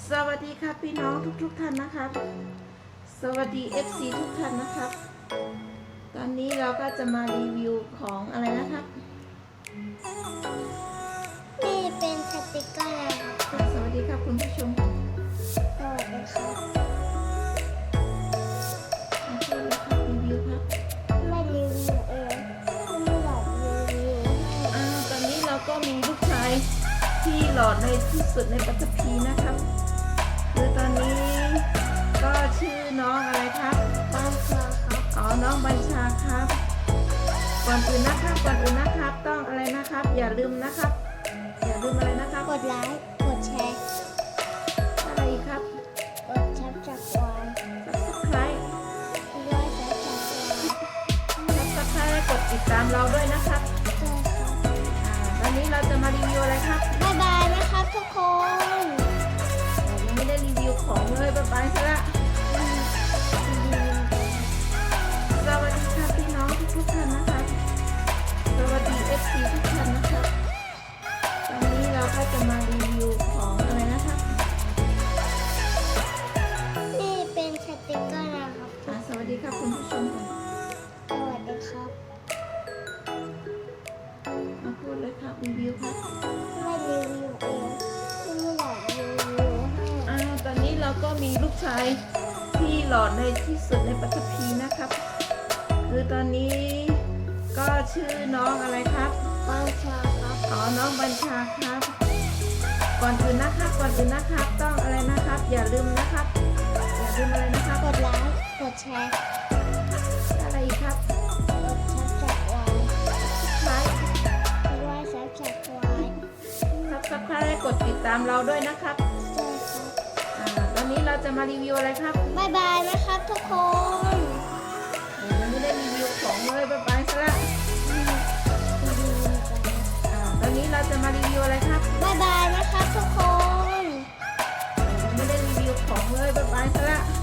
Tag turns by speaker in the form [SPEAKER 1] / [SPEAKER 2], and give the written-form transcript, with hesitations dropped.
[SPEAKER 1] สวัสดีครับพี่น้องทุกท่านนะครับสวัสดี FC ทุกท่านนะครับ ตอนนี้เราก็จะมารีวิวของอะไรนะครับ
[SPEAKER 2] นี่เป็นสติกเกอร์นะครับ
[SPEAKER 1] สวัสดีครับคุณผู้ชม
[SPEAKER 2] สวัสดีครับ
[SPEAKER 1] มาช่วยเลยครับรีวิวครับ
[SPEAKER 2] ไม่รีวิวเองไม่หลอกรีวิว
[SPEAKER 1] ตอนนี้เราก็มีลูกชายที่หล่อในที่สุดในปัตตภีนะครับคือตอนนี้ก็ชื่อน้องอะไรครับ
[SPEAKER 2] บัญชาครับ
[SPEAKER 1] น้องบัญชาครับก่อนอื่นนะครับต้องอะไรนะครับอย่าลืมนะครับอย่าลืมอะไรนะครับ
[SPEAKER 2] กดไลค์กดแชร์
[SPEAKER 1] อะไรอีกครับ
[SPEAKER 2] กดชับจากวาย
[SPEAKER 1] Subscribe
[SPEAKER 2] ร้อยชับจากวาย
[SPEAKER 1] Subscribe และกดติดตามเราด้วยนะครับตอนนี้เราจะมารีวิวอะไรครับ
[SPEAKER 2] บ๊ายบายนะครับทุกคน
[SPEAKER 1] ยังไม่ได้รีวิวของเลยบ๊ายบายซะละสวัสดีครับพี่น้องทุกท่านนะครับสวัสดี FC ทุกท่านนะครับตอนนี้เราก็จะมารีวิวของอะไรนะครับ
[SPEAKER 2] นี่เป็นสติกเกอร์นะครับ
[SPEAKER 1] สวัสดีครับคุณผู้ชมก่อน
[SPEAKER 2] สวัสดีครับ
[SPEAKER 1] มาพูดเลยครับรีวิวครับ
[SPEAKER 2] ไม่รีวิวเองไม่หลอกรีวิวให้
[SPEAKER 1] ตอนนี้เราก็มีลูกชายที่หล่อในที่สุดในปัตตภีนะครับคือตอนนี้ก็ชื่อน้องอะไรครับ
[SPEAKER 2] บัญชาครับ
[SPEAKER 1] น้องบัญชาครับก่อนอื่นนะครับต้องอะไรนะครับอย่าลืมนะครับอย่าลืมอะไรนะครับ
[SPEAKER 2] กดไลค์กดแชร์
[SPEAKER 1] อะไรอีกครับ
[SPEAKER 2] กดชับจากวาย
[SPEAKER 1] Subscribe
[SPEAKER 2] ร้อยชับจากวาย
[SPEAKER 1] Subscribe และกดติดตามเราด้วยนะครับ
[SPEAKER 2] ใช่ครับ
[SPEAKER 1] ตอนนี้เราจะมารีวิวอะไรครับ
[SPEAKER 2] บ๊ายบายนะครับทุกคน
[SPEAKER 1] ยังไม่ได้รีวิวของเลยบ๊ายบายซะละตอนนี้เราจะมารีวิวอะไรครับ
[SPEAKER 2] บ๊ายบายนะครับทุกคน
[SPEAKER 1] ยังไม่ได้รีวิวของเลยบ๊ายบายซะละ